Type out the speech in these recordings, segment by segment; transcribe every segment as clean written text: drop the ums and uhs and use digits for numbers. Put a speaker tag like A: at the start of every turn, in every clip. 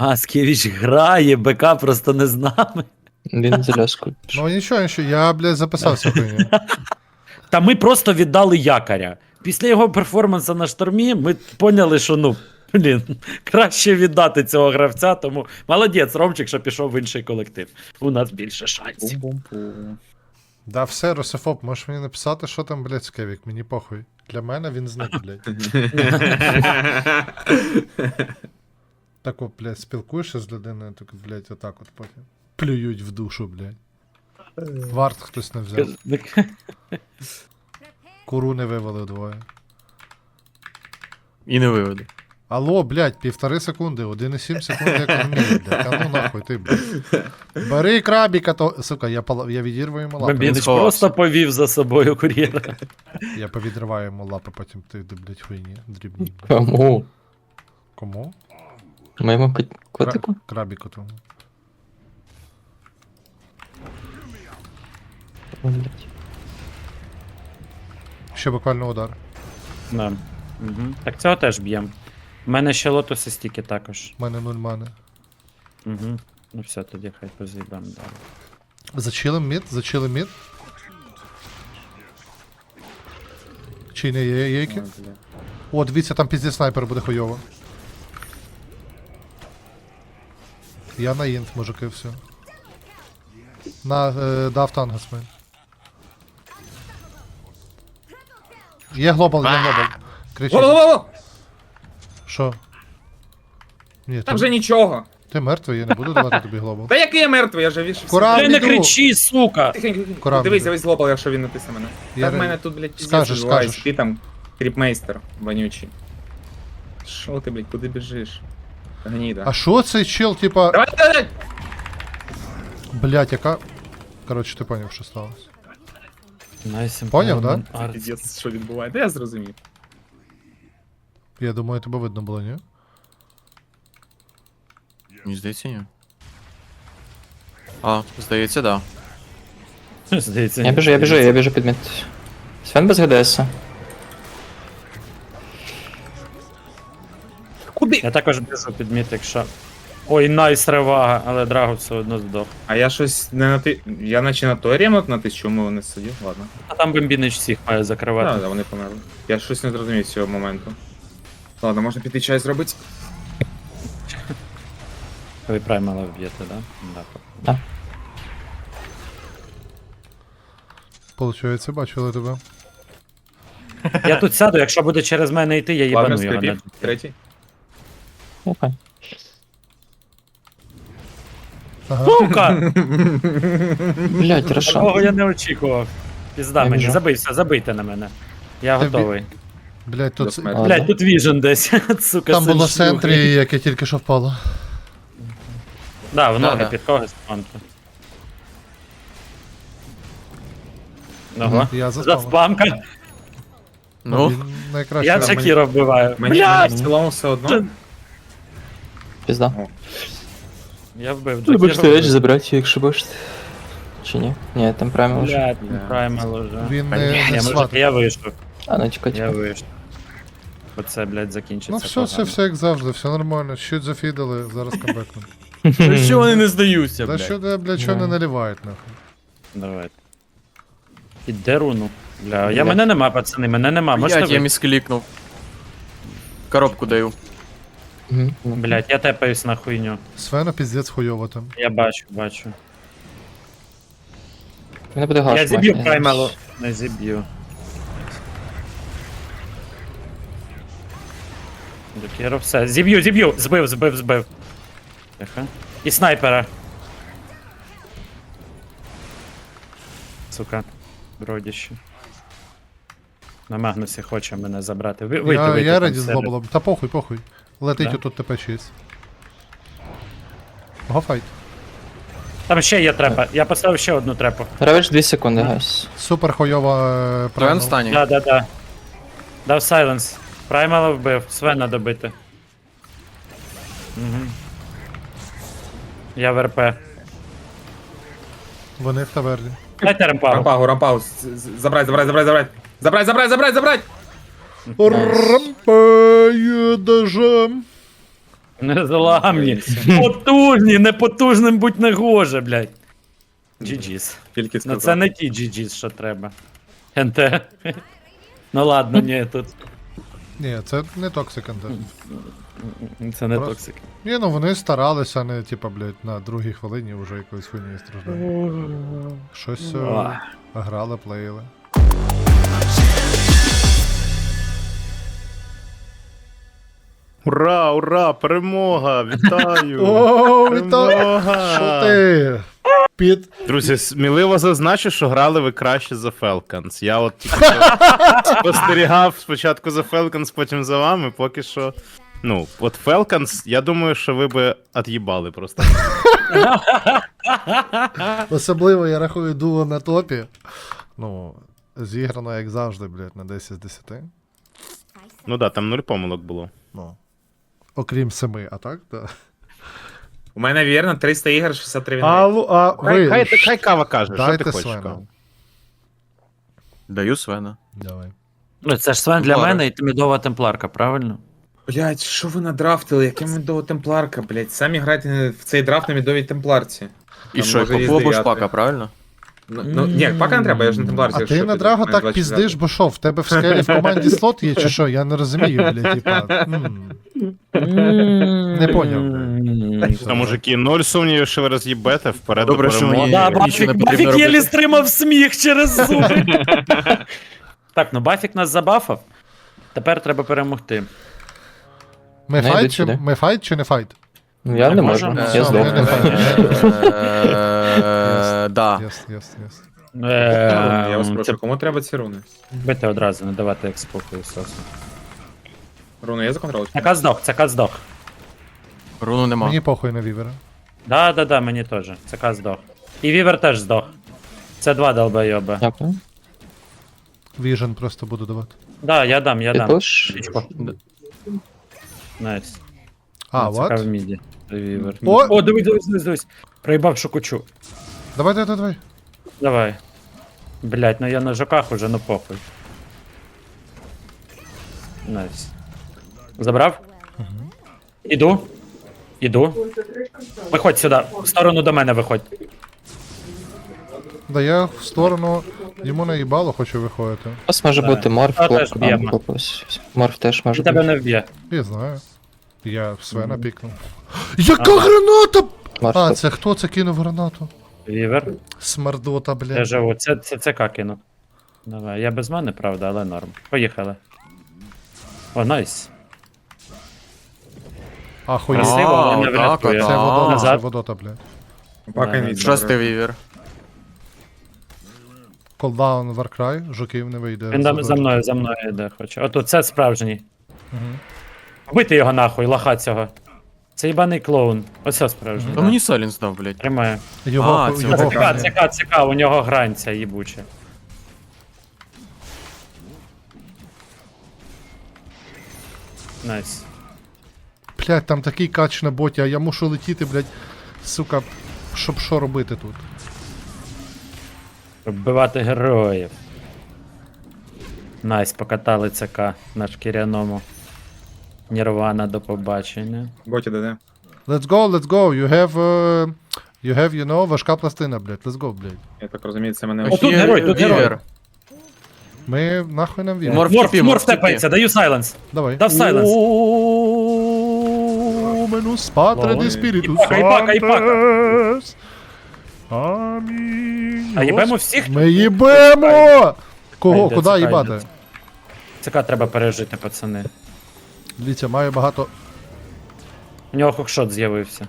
A: А, Скевіч грає, БК просто не з нами.
B: Він з ляскою.
C: Ну нічого, я, блядь, записався хуйню.
A: Та ми просто віддали якоря. Після його перформансу на штормі ми поняли, що краще віддати цього гравця, тому молодець, Ромчик, що пішов в інший колектив. У нас більше шансів.
D: Бум-бум-бум.
C: Да, все, Рософоб, можеш мені написати, що там, блядь, Скевік, мені похуй. Для мене він зник, блядь. Так от, блядь, спілкуєшся з людиною, так, блядь, отак от потім. Плюють в душу, блядь. Варт хтось не взяв. Куру не вивели двоє.
D: І не виведу.
C: Алло, блядь, 1,5 секунди, 1,7 секунди економії, блядь. Та ну нахуй, ти, блядь. Бери крабіка, то... Сука, я відірву йому лапи.
A: Бомбінич
D: сховався.
A: просто повів за собою кур'єра.
C: Я повідриваю йому лапи, потім ти, блядь, хуйні, дрібні.
B: Кому?
C: Кому?
B: Моєму котику?
C: Крабіку тому.
B: О, блядь.
C: Ще буквально удар.
A: Да. Угу. Так цього теж б'єм. У мене ще лотоси стільки також.
C: У мене 0 мани.
A: Угу. Ну все, тоді хай поз'їбам далі.
C: Зачилим мід. Чи не є які?
D: Ой, бля.
C: О, дивіться, там пізді снайпер буде хуйово. Я на інт, мужики, все. Дав тангас мен. Є глобал. Кричить.
E: Во-во-во!
C: Що? Ні,
E: Там вже нічого.
C: ти мертвий, я не буду давати тобі глобал.
E: Та який я мертвий, я вже вішився.
C: Кура-
A: Ти не
C: іду.
A: кричи, сука!
E: Тихенько.
C: Корабль.
E: Дивись, весь глобал, якщо він натисне мене.
C: Я
E: Та в
C: ре-
E: мене тут, блядь, піздець
C: Скажеш,
E: відбувається.
C: скажеш.
E: Ти там кріпмейстер вонючий. Що ти, блядь, куди біжиш? Гніда.
C: А що цей чел, типа...
E: Давай!
C: Блять, яка... Коротше, ти поняв, що сталося.
A: Nice
C: Поняв, да?
A: empowerment art.
E: Піздець, що відбувається? Я зрозумів.
C: Я думаю, тебе видно було, ні?
D: Мені здається, ні. А, здається, да.
A: Здається,
B: Я біжу під мід. Свен без ГДС.
E: Куди?
A: Я також біжу під міт, якщо... Ой, найс ревага, але Драго все одно здох.
E: А я щось не на ти. Я наче на той ремонт натис, чому не сидів? Ладно.
A: А там Бомбінич всіх має закривати.
E: Так, да, вони померли. Я щось не зрозумів з цього моменту. Ладно, можна піти чай зробити.
A: Ви праймала вб'єте, да? Да.
B: Да.
C: Получається, бачили тебе.
A: Я тут сяду, якщо буде через мене йти, я
E: Ладно,
A: їбану його.
E: скрипів. Третій.
B: Окей.
C: Ага.
A: Сука!
B: Блядь,
A: Такого
B: Рошан.
A: я не очікував. Пізда
B: Я
A: мені,
B: біжу.
A: забийся, забийте на мене. Я
C: Та
A: готовий.
C: Блять, тут...
E: До смерті.
B: Ладно.
A: Блядь, тут віжен десь. Сука,
C: Там
A: син
C: було в
A: шлюхи.
C: центрі, яке тільки що впало.
A: Да, в ноги
D: Да.
A: під когось спамки. Ого.
C: Я
A: За
C: заспав.
A: спамка.
D: Ну,
C: Він найкраще.
A: Я
C: робить.
A: Шакіра вбиваю.
E: Мені
A: Блядь!
E: в цілому все одно.
B: Пізда.
A: Я вбив
B: Ви можете
A: Джакіра.
B: речі забрати, якщо бачите. Чи ні? Ні, там прямо вже.
A: Блядь,
E: Бля.
A: праймал уже.
C: Він
A: Я,
C: не
A: може,
C: сват.
A: я вийшов.
B: А, ну чекай,
A: Я
B: чекай.
A: вийшов. Оце, блядь, закінчиться.
C: Ну все, все, все як завжди, все нормально. Щось зафідали, зараз камбекнемо.
D: що вони не здаються,
C: Та
D: блядь.
C: що, блядь, що не наливають, нахуй.
A: Давайте. Іде руну. Бля, мене нема, пацани, мене нема. Можете
D: Блядь, я
A: ви?
D: місклікнув. Коробку даю.
B: Мгм.
A: Блядь, я тепаюсь на хуйню.
C: Свена піздець хуйово там.
A: Я бачу.
B: Мене буде гаш.
A: Я зіб'ю праймалу. Не зіб'ю. Джакіро, все. Зіб'ю. Збив. Тихо. І снайпера. Сука. Бродіще. На Магнусі хоче мене забрати. Вийти,
C: Я
A: там
C: раді з
A: себе.
C: глобалом. Та похуй. Летить
A: Да?
C: отут ТП-6. Гофайт.
A: Там ще є трепа. Я поставив ще одну трепу.
B: Равич 2 секунди, гайс.
C: Супер хуйова
D: Твоєн
C: правильно.
D: стані.
A: Да. Дав сайленс. Праймала вбив. Свена добити. Угу. Я в РП.
C: Вони в таверні.
A: Дайте ремпагу.
E: Рампагу. Забрать.
C: Рампає даже.
A: Незламні. Потужні, непотужним будь не гоже, блядь. GG's.
E: Тільки
A: Ну
E: сказав.
A: це не ті GG's, що треба. НТ. Ну ладно, ні, тут.
C: Ні, це не токсик контент.
A: Це не
C: Просто-
A: токсик.
C: Ні, ну вони старалися, а не типа, блядь, на другій хвилині вже якоюсь хуйнею страждають. Щось грали, плеїли.
F: Ура, ура, перемога! Вітаю!
C: О, вітаю!
F: Перемога!
C: Що ти? Під.
F: Друзі, сміливо зазначу, що грали ви краще за Falcons. Я от тільки що спостерігав спочатку за Falcons, потім за вами, поки що. Ну, от Falcons, я думаю, що ви би от'їбали просто.
C: Особливо я рахую дуо на топі. Ну, зіграно, як завжди, блядь, на 10 з 10.
F: Ну да, там 0 помилок було.
C: Ну. Окрім 7, а так, да.
E: У мене вірно 300 ігор, 63 війни.
C: А ви
F: Хай кава каже, що
C: дайте
F: ти хочеш,
C: Свена.
F: кава?
D: Даю Свена.
C: Давай.
A: Ну це ж Свен для
D: Темплари.
A: мене і тимідова темпларка, правильно?
E: Блять, що ви надрафтили? Яка медова темпларка, блять? Самі грайте в цей драфт на медовій темпларці.
D: І
E: Там
D: що,
E: може
D: Попова
E: різний
D: Шпака,
E: ряд.
D: правильно?
E: Ну, ні, пака не треба, я ж на темпларці.
C: А
E: якщо
C: ти на
E: ти
C: Драго
E: маєш
C: так
E: 24.
C: піздиш, бо що, в тебе в скелі в команді слот є чи що? Я не розумію, блядь, типа. Не поняв, блядь.
F: Та, мужики, 0 сумнівів, що ви роз'їбете, вперед
D: Добре,
F: до
D: що
F: перемоги.
D: мені-
A: Да,
D: нічого не
A: Бафік,
D: потрібно
A: Бафік єлі
D: робити.
A: стримав сміх через зуби. Так, ну Бафік нас забафав. Тепер треба перемогти.
C: Ми
B: Не
C: файт
B: йдуть
C: чи
B: сюди.
C: ми файт чи не файт?
B: Ну, я
A: Не
B: не
A: можу.
B: можу,
C: Все,
B: я
C: ми
B: здох.
C: не файт.
D: Да.
C: Єс, єс, єс.
E: Я вас прошу, кому треба ці руни?
A: Бити одразу, не давати як спокою сосу.
E: Руни є за контроль?
A: Цяка здох.
D: Руну нема.
C: Мені похуй на вівера.
A: Да, мені теж. Цяка здох. І Вівер теж здох. Це два долбойоба.
B: Дякую.
C: Віжен просто буду давати.
A: Да, я дам.
B: Підпуш.
A: Пічку. Найс.
C: А,
A: Цяка в
C: вот.
A: міді. Вівер.
C: О!
A: О, дивись. Проїбав шокучу.
C: Давай.
A: Давай. Блять, ну я на жоках уже, ну похуй. Найс. Забрав? Іду. Виходь сюди. В сторону до мене виходь.
C: Да я в сторону йому наїбало хочу виходити.
B: У вас може
A: Да.
B: бути морф,
A: А, теж
B: хлопка,
A: б'ємо.
B: хлопець. Морф теж може
A: Він тебе
B: бути.
A: не вб'є.
C: Я знаю. Я Свена пікнув. Яка граната?
B: Морф
C: А,
B: тут.
C: це хто це кинув гранату?
A: Вівер.
C: Смердота,
A: Я
C: блядь.
A: живу. Це ЦК кину. Давай. Я без мене, правда, але норм. Поїхали. О, найс.
C: Ахуєть.
A: Красиво, але не
D: так,
A: врятує.
C: Це
D: так.
C: водота, це
A: Назад.
C: водота, блядь.
E: Пака
A: Да,
E: інвіз.
D: Шостий вівер.
C: Колдаун Warcry, жуків не вийде.
A: Він за мною йде, хоче. Ото це справжній.
C: Мгм.
A: Вбити його нахуй, лоха цього. Це їбаний клоун. Оце справжній.
D: Та мені Салінс дав, блядь.
A: Тримає.
C: Його,
D: А, це
C: його
A: ЦК, у нього грань ця їбуча. Найс.
C: Блядь, там такий кач на боті, а я мушу летіти, блядь, сука, щоб що робити тут.
A: Вбивати героїв. Найс, покатали ЦК на шкіряному. Нірвана, до побачення.
E: Боті ДД.
C: Let's go, you have, you know, важка пластина, блядь, let's go, блядь.
E: Я так розумію, це мене
A: О, тут герой, тут герой.
C: Ми нахуй нам віримо.
D: Морф
A: Морф
D: морф
A: тепається, даю сайленс.
C: Давай.
A: Дав сайленс.
C: Менус патре
E: Ой.
C: ді спірітус
A: І пака.
C: Амінь.
A: А їбемо всіх?
C: Ми їбемо! Кого?
A: Йде,
C: Куди
A: цікай,
C: їбати?
A: йде. ЦК треба пережити, пацани.
C: Дивіться, маю багато.
A: У нього хукшот з'явився.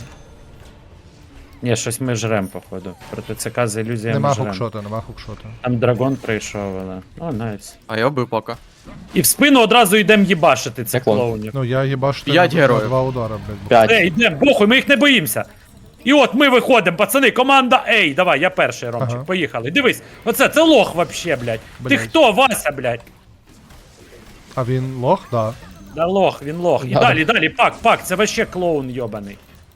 A: Ні, щось ми жрем, походу. Проти ЦК з ілюзіями
C: Нема
A: жрем.
C: хукшота, нема хукшота.
A: Там драгон прийшов, але. О, найс.
D: А я вбив пока.
A: І в спину одразу йдемо їбашити цих
B: Як он?
A: клоунів.
C: Ну я їбаш
D: П'ять героїв.
C: два удара, блядь.
B: 5.
A: Ей, йдемо, похуй, ми їх не боїмося. І от ми виходимо, пацани, команда Ей, давай, я перший, Ромчик,
C: Ага.
A: поїхали. Дивись, це лох вообще, блядь. Ти
C: Блядь.
A: хто, Вася, блядь?
C: А він лох, да.
A: Да лох, він лох. І
B: Да.
A: далі, пак, це вообще клоун йобаний.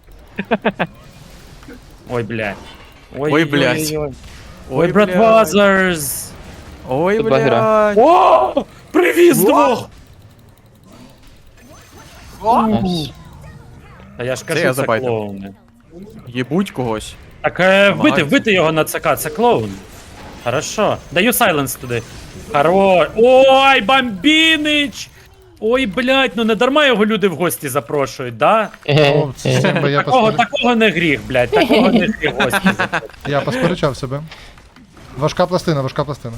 A: Ой, блядь.
D: Ой, блядь.
A: Ой, братвазерс.
D: Ой,
B: Тут два
D: блядь.
A: О, привіз двох.
B: Найс.
A: А я ж
D: Це
A: кажу,
D: я
A: це
D: забайтив.
A: клоуни.
D: Єбуть когось.
A: Так
D: Намагаються.
A: вбити його на ЦК, це клоун. Хорошо. Даю сайленс туди. Хорош. Ой, бомбінич! Ой, блядь, ну не дарма його люди в гості запрошують, да?
C: О, з цим би
A: Такого не гріх, блядь, такого не гріх в гості запрошують.
C: я посперечав себе. Важка пластина, важка пластина.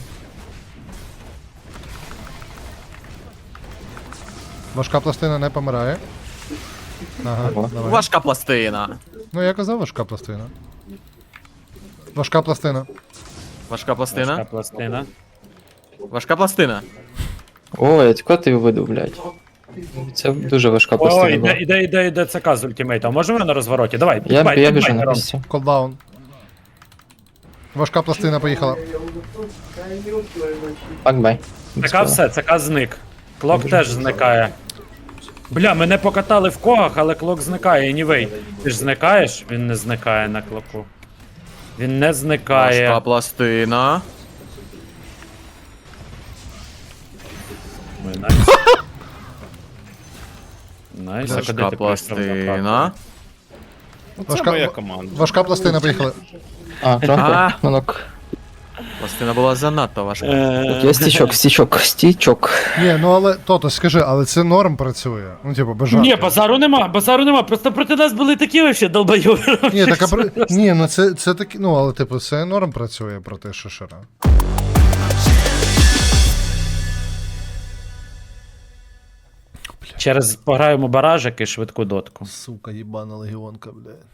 C: Важка пластина не помирає. Ага,
B: Ого.
C: давай.
D: Важка пластина.
C: Ну я казав важка пластина. Важка пластина.
D: Важка
A: Важка
D: пластина.
A: пластина.
D: Важка пластина.
B: Ой, кого ти видав, блядь? Це дуже важка
A: Ой,
B: пластина була.
A: іде ЦК з ультимейтом. Можемо на розвороті? Давай,
B: Я
A: підбай,
B: біжу
A: підбай,
B: на
A: Ром.
B: місці.
C: Колдаун. Важка пластина поїхала.
B: Бак-бай.
A: ЦК все, ЦК зник. Клок теж зникає. Бля, мене покатали в когах, але клок зникає, anyway. Ти ж зникаєш? Він не зникає на клоку. Він не зникає.
D: Важка пластина.
A: Ой, найс. Найс, а куди
D: Важка
A: ти пішов, направду?
D: пластина.
F: Це
C: Важка-
F: моя команда.
C: Важка пластина поїхала.
B: А,
D: А.
B: трохи. Манок.
D: Пластина була занадто важка.
B: Є стічок.
C: Ні, ну але Тото, скажи, але це норм працює. Ну, типу, без жартів.
A: Ні, базару нема, просто проти нас були такі вообще долбойови.
C: Ні, так, ні, ну це такі, ну, але типу, це норм працює проти Шишера.
A: Через пограємо баражик і швидку дотку.
C: Сука, їбана легіонка, блядь.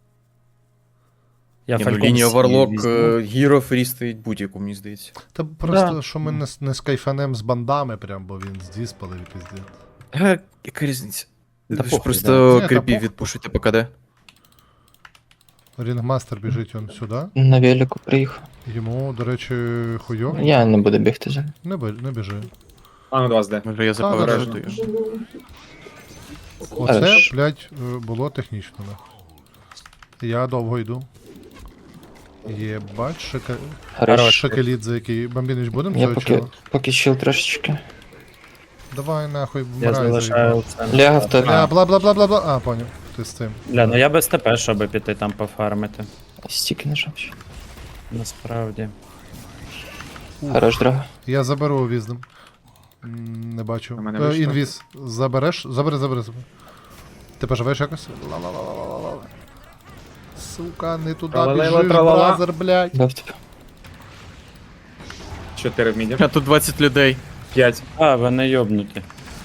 A: Я
D: Ні, ну,
A: Falcon
D: лінія
A: Sea
D: Варлок
A: візьму.
D: Гіро фрістоїть будь-яку, мені здається.
C: Та просто,
A: Да.
C: що ми не скайфанем з бандами, прям, бо він здіспалив і піздець.
D: Яка різниця?
A: Та
D: Ви ж
A: похуй,
D: просто
C: да. Ні, та
D: кріпів
C: похуй.
D: відпушуйте по КД.
C: Рінгмастер біжить он сюди.
B: На велику приїхав.
C: Йому, до речі, хуйово.
B: Я не буду бігти за.
C: Не біжи.
E: А ну до вас де.
D: Може я
C: Та,
D: заповережую.
C: Оце,
B: Хорош.
C: блядь, було технічно. Да. Я довго йду. Єбать,
B: Хорош.
C: шакеліт, за який бомбінич будемо
B: Я
C: цього чого?
B: поки щил трошечки.
C: Давай нахуй,
A: Я
C: вмирай.
A: залишаю це.
B: Лягав топ.
C: Бла-бла-бла-бла-бла. А, поняв. Ти з цим.
A: Бля, ну я без ТП, щоб піти там пофармити.
B: Стіки нажав. ще.
A: Насправді.
B: Хорош, драга.
C: Я заберу віздом. Не бачу.
E: У мене вийшло.
C: Інвіз. Забереш? Забери. Ти поживеш якось? Ла-ла-ла-ла-ла-ла. Сука, не туди
E: Тралалела,
C: біжиш,
E: тралала.
C: бразер, блядь.
B: Дав тебе.
E: 4 в міді.
D: А тут 20 людей.
E: 5.
A: А, вони йобнуті.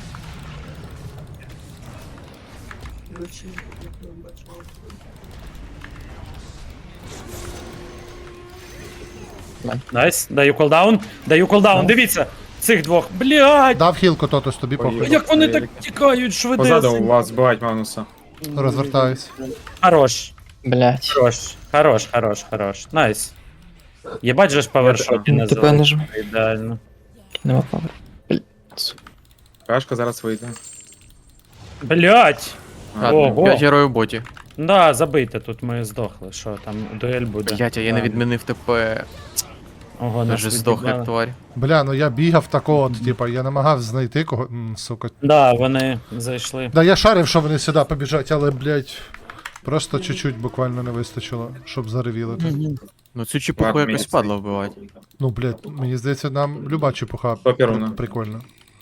A: Найс, даю колдаун, дивіться, цих двох. Блядь,
C: Дав хілку, Тотос, тобі похуй.
E: Ой.
A: як вони так тікають
E: Позаду у
A: швидесенько.
E: вас збивають Магнуса.
C: Розвертаюсь.
A: Хорош,
B: Блять.
A: хорош. Найс. Єбать же ж павершоті не
B: ТП
A: залишили.
B: нажав.
A: Ідеально.
B: Нема павер.
E: Кашка зараз вийде.
A: Блять. Ого.
D: 5 героїв в боті.
A: Да, забийте, тут ми здохли. Що там, дуель буде.
D: Блять, а я не відмінив ТП.
A: Ого,
D: Даже
A: нас
D: здох
A: відібрали.
D: як тварь.
C: Бля, ну я бігав такого, от, типа, я намагався знайти кого. Сука.
A: Да, вони зайшли.
C: Да, я шарив, що вони сюди побіжать, але, блядь, просто чуть-чуть буквально не вистачило, щоб заревіли тут.
D: Ну цю чепуху
E: Ладно,
D: якось
E: мені
D: падло вбивати.
C: Ну, блядь, мені здається, нам люба чепуха
E: Паперуна.
C: прикольно.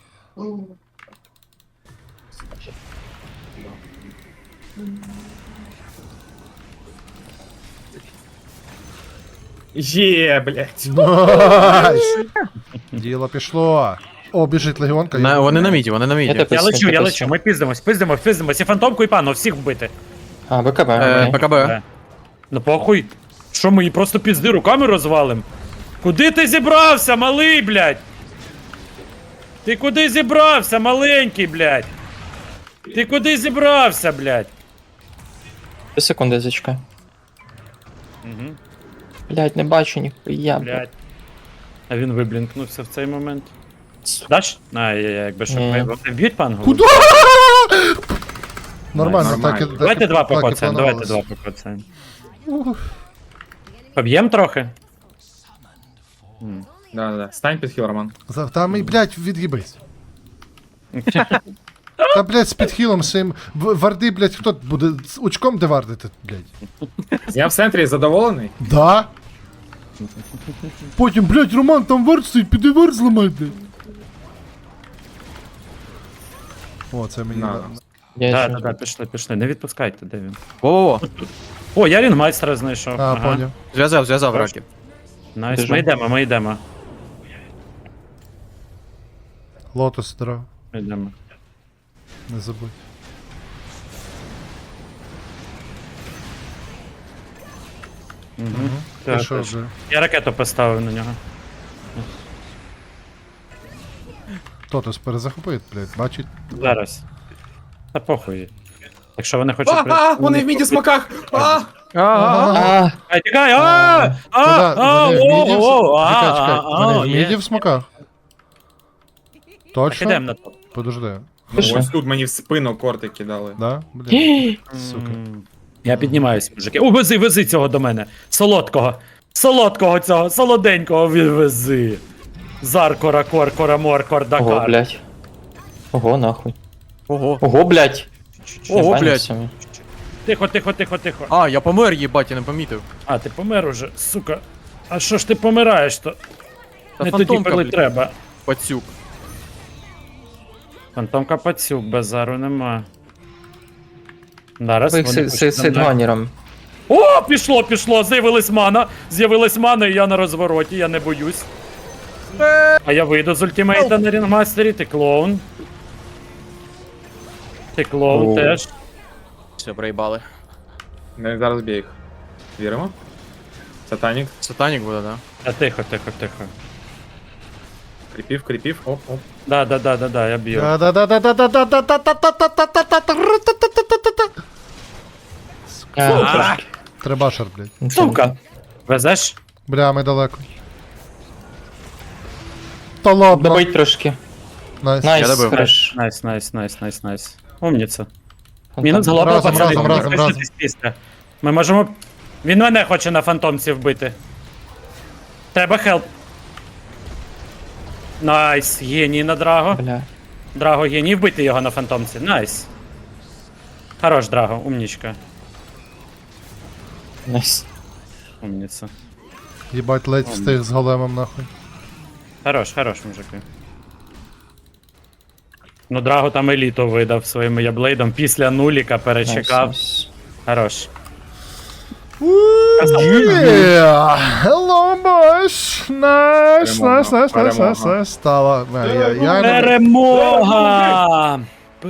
E: Є, блядь.
C: Найс! Діло пішло. О, біжить легіонка.
D: Вони на міді, вони на міді.
B: Я
A: Я лечу, ми пиздимось, і фантомку, і пану, всіх вбити.
B: А, БКБ. окей.
D: БКБ.
A: Ну похуй. Що ми її просто пізди руками розвалим? Куди ти зібрався, малий, блядь? Ти куди зібрався, маленький, блядь? Ти куди зібрався, блядь?
B: 2 секунди зачекай.
A: Угу,
B: Блять, не бачу ніхуя.
A: блядь. А він виблінкнувся в цей момент. Даш? Якби щоб
B: Ні.
A: ви вб'ють пангу?
C: Куда? Нормально,
E: Нормально.
C: так і
A: Давайте два
C: так і
A: покоцаємо, давайте
C: планувалось.
A: два покоцаємо. Поб'єм трохи?
E: Да. Стань під хіл, Роман.
C: Там і, блядь, від'їбись. Та, блядь, з підхилом своїм. Варди, блядь, хто буде з очком де вардити, блядь?
E: Я в центрі задоволений.
C: Да? Потім, блядь, Роман, там вард стоїть, піди вард зламай, блядь. О, це мені.
E: На.
B: Я
A: Да,
B: ще-
A: да, да, пішли. Не відпускайте, де він.
D: Во-во-во.
A: О, я рінгмайстера знайшов.
C: А, поняв.
D: Зв'язав раків.
A: Найс,
B: Біжу.
A: ми йдемо.
C: Лотос, здорово.
A: Ми йдемо.
C: Не забудь. Ти
A: Так,
C: що
A: так.
C: вже?
A: Я ракету поставив на нього.
C: Тотос перезахопить, блядь, бачить.
A: Зараз. Та похуй. Якщо вони хочуть...
E: Вони в міді смаках!
B: А,
A: Ай, тікай!
C: Куда? Вони в міді в... Чекай, вони в міді в смоках? Точно?
A: Ідемо на топ.
C: Подожди.
B: Пише.
E: Ось тут мені в спину корти кидали.
C: Да? Блядь. Сука.
A: Я піднімаюсь, мужики. О, вези цього до мене. Солодкого цього, солоденького вези. Заркора, коркора, моркор,
B: Ого,
A: дакар.
B: блядь. Ого, нахуй.
D: Ого.
B: Ого, блядь.
D: Ого,
B: Ебані
D: блядь.
B: самі.
A: Тихо.
D: А, я помер, їбать, я не помітив.
A: А, ти помер уже, сука. А що ж ти помираєш то?
D: Та
A: Не тоді,
D: фантомка,
A: коли
D: блядь.
A: треба.
D: Пацюк.
A: Фантомка пацюк, базару нема. Зараз
B: Ви їх
A: вони хочуть нам
B: сейдганером.
A: О, пішло, з'явилась мана, і я на розвороті, я не боюсь. А я вийду з ультимейта на рінгмастері, ти клоун. Ти клоун
B: О.
A: теж.
D: Все, проїбали.
E: Не зараз б'є їх. Віримо? Сатанік.
D: Сатанік буде, да?
A: А тихо.
E: Кріпів. Оп.
A: Да, я б'ю.
B: А,
C: Требашер, блядь.
A: Сука! Везеш?
C: Бля, ми далеко. Та ладно.
B: Добить трошки.
C: Найс.
B: Найс,
D: Я добив.
B: хорош.
A: Найс. Умніця. Мінус голова,
C: Разом,
A: пацани,
C: разом,
A: не
C: разом,
A: спішитесь після. Ми можемо... Він мене хоче на фантомці вбити. Треба хелп. Найс, геній на Драго.
B: Бля.
A: Драго геній, вбити його на фантомці. Найс. Хорош, Драго, умнічка.
B: Найс.
A: Умніця.
C: Єбать, ледь встиг з големом, нахуй.
A: Хорош, мужики. Ну, Драго там еліту видав своїм яблейдом. Після нуліка перечекав.
B: Найс.
A: Хорош.
C: Yeah! Hello, boys! Nice. Стало. Я
A: Перемога!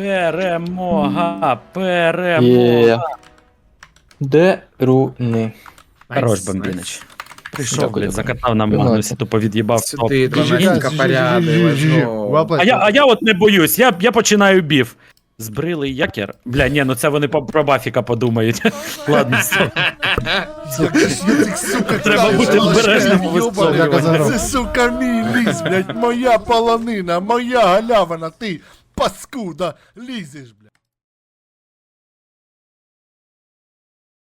B: Є. Де руни?
A: Хорош, бомбінич. Прийшов,
B: Дякую,
A: блядь,
B: дякую.
A: закатав нам
B: Давайте.
A: Магнусі, тупо від'їбав.
E: Сюди,
A: Топ.
E: 12 поряди, лежно.
A: А я от не боюсь, я починаю бів. Збрили якір? Бля, ні, ну це вони про Бафіка подумають. Ладно, все. Треба бути обережним у висловлюванні.
C: Це,
G: сука, мій ліс, блядь, моя полонина, моя галявина, ти паскуда, лізеш,